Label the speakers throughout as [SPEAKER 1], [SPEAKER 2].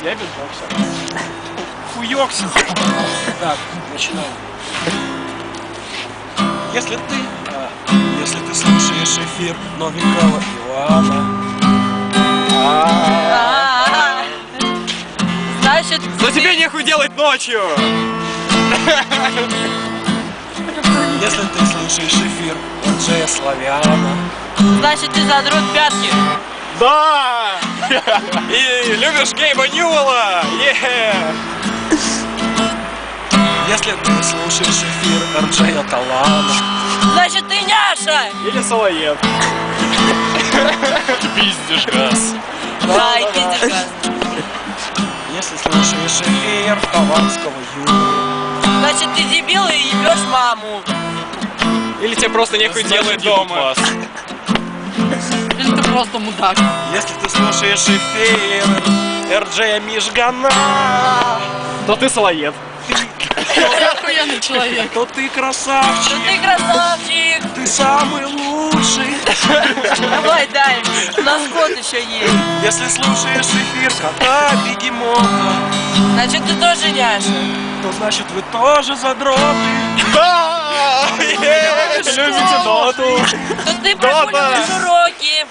[SPEAKER 1] Я битбоксер. Хуёкся. Так, начинаем. Если ты слушаешь эфир новенького Ивана,
[SPEAKER 2] значит,
[SPEAKER 3] но тебе нехуй делать ночью.
[SPEAKER 1] если ты слушаешь эфир Джея Славяна,
[SPEAKER 2] значит, ты задрот пятки.
[SPEAKER 3] Да! И любишь Гейба Ньюэлла?
[SPEAKER 1] если ты слушаешь эфир Джея Талана,
[SPEAKER 2] Значит, ты няша.
[SPEAKER 3] Или Салаед. Пиздишь газ.
[SPEAKER 2] Да, и пиздишь газ.
[SPEAKER 1] если слушаешь эфир Хованского Юрия,
[SPEAKER 2] Значит, ты дебил и ебешь маму.
[SPEAKER 3] Или тебе просто нехуй делать дома.
[SPEAKER 2] Или ты просто мудак.
[SPEAKER 1] если ты слушаешь эфир Эрджея Мижгана,
[SPEAKER 3] То ты Салаед.
[SPEAKER 2] Ты охуенный человек.
[SPEAKER 1] то ты красавчик,
[SPEAKER 2] Ты красавчик.
[SPEAKER 1] ты самый лучший.
[SPEAKER 2] Давай, дай. У нас кот еще есть.
[SPEAKER 1] Если слушаешь эфир кота Бегемота,
[SPEAKER 2] Значит, ты тоже няша.
[SPEAKER 1] то значит вы тоже задроты.
[SPEAKER 3] Да! Любите доту.
[SPEAKER 2] То ты прогуливаешь уроки.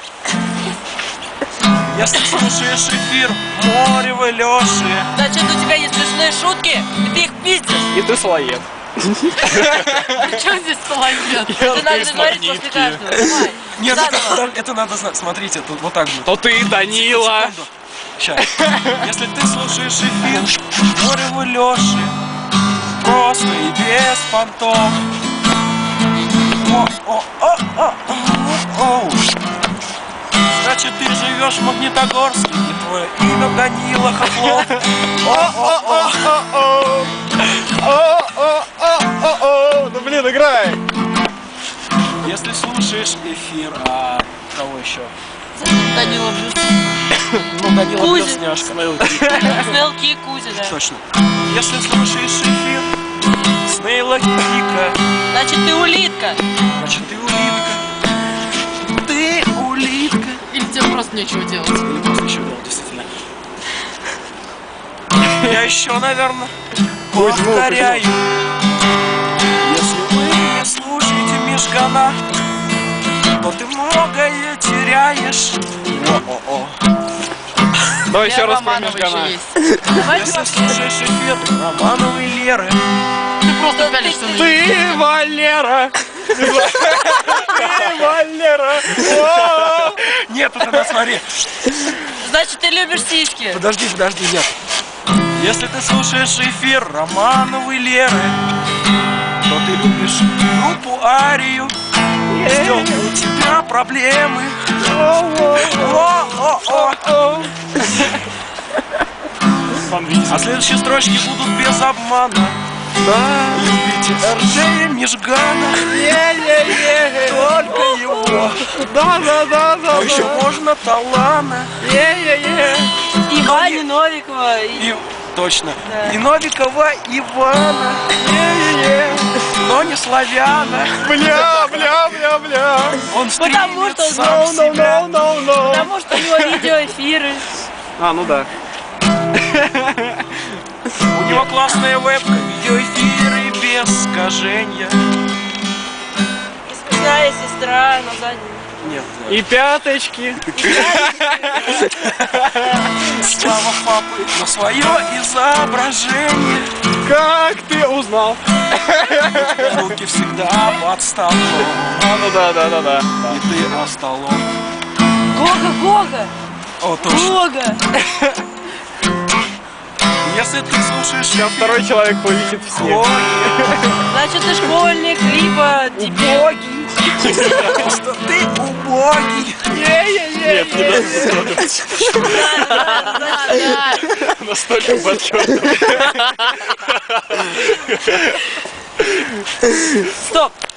[SPEAKER 1] Если слушаешь эфир Морева Лёши,
[SPEAKER 2] Значит, у тебя есть смешные шутки, и ты их пиздишь.
[SPEAKER 3] И ты Салаед.
[SPEAKER 2] При чем здесь Салаед? Это надо говорить после каждого. Давай.
[SPEAKER 1] нет,
[SPEAKER 2] Заново.
[SPEAKER 1] это надо знать. Смотрите, тут вот так будет.
[SPEAKER 3] То ты Данила.
[SPEAKER 1] Сейчас. Если ты слушаешь эфир Морева Лёши, просто и без понтов. Значит, ты живешь в Магнитогорске, и твое имя Данила Хохлов.
[SPEAKER 3] Ну блин, играй.
[SPEAKER 1] Если слушаешь эфир, кого еще?
[SPEAKER 2] Данила Блюз.
[SPEAKER 1] Ну, Данила
[SPEAKER 2] Кузя.
[SPEAKER 1] Блюзняшка.
[SPEAKER 2] Снелки и Кузя, да.
[SPEAKER 1] Точно. Если слушаешь эфир Снейла Кика,
[SPEAKER 2] Значит, ты улитка.
[SPEAKER 1] значит, ты улитка. Ты улитка.
[SPEAKER 2] Или тебе просто нечего делать.
[SPEAKER 1] Или просто еще делал, действительно. Я еще, наверное, повторяю. Если вы не слушаете Мижгана, то ты многое теряешь. О-о-о.
[SPEAKER 3] Давай еще раз про
[SPEAKER 2] Романова
[SPEAKER 3] Мижгана.
[SPEAKER 2] еще есть. Давайте
[SPEAKER 1] Если
[SPEAKER 2] вообще.
[SPEAKER 1] слушаешь эфир Романовой Леры,
[SPEAKER 2] Ты просто пялишь, что
[SPEAKER 3] Ты Валера. Ты Валера.
[SPEAKER 1] нет, это надо смотри.
[SPEAKER 2] Значит, ты любишь сиськи.
[SPEAKER 1] Подожди, нет. Если ты слушаешь эфир Романовой Леры, то ты любишь группу Арию. Стёпа, у тебя проблемы. А следующие строчки будут без обмана. Любите Эрджея Мижгана, только его.
[SPEAKER 3] Да.
[SPEAKER 1] Еще можно Талана.
[SPEAKER 2] И Ваня Новикова.
[SPEAKER 1] И точно.
[SPEAKER 2] Да.
[SPEAKER 1] И Новикова Ивана. Но не славяна.
[SPEAKER 3] Бля.
[SPEAKER 1] Он
[SPEAKER 2] Потому
[SPEAKER 1] стримит
[SPEAKER 2] что
[SPEAKER 1] сам себя.
[SPEAKER 2] Потому что у него видеоэфиры.
[SPEAKER 3] Ну да.
[SPEAKER 1] У него классная вебка, видеоэфиры без искажения.
[SPEAKER 2] И смешная сестра на заднем.
[SPEAKER 1] Нет.
[SPEAKER 3] И пяточки.
[SPEAKER 1] Слава папы на свое изображение.
[SPEAKER 3] Как ты узнал?
[SPEAKER 1] Руки всегда под столом.
[SPEAKER 3] Ну да.
[SPEAKER 1] И ты остолом.
[SPEAKER 2] Гога.
[SPEAKER 1] О, точно.
[SPEAKER 2] Гога.
[SPEAKER 1] Если ты слушаешь
[SPEAKER 3] Сейчас второй человек полетит в снег.
[SPEAKER 1] Гоги,
[SPEAKER 2] Значит, ты школьник, либо дебил.
[SPEAKER 1] убогий. Просто ты убогий.
[SPEAKER 3] Нет, не
[SPEAKER 2] Да.
[SPEAKER 3] настолько подчеркнуто.
[SPEAKER 2] Стоп.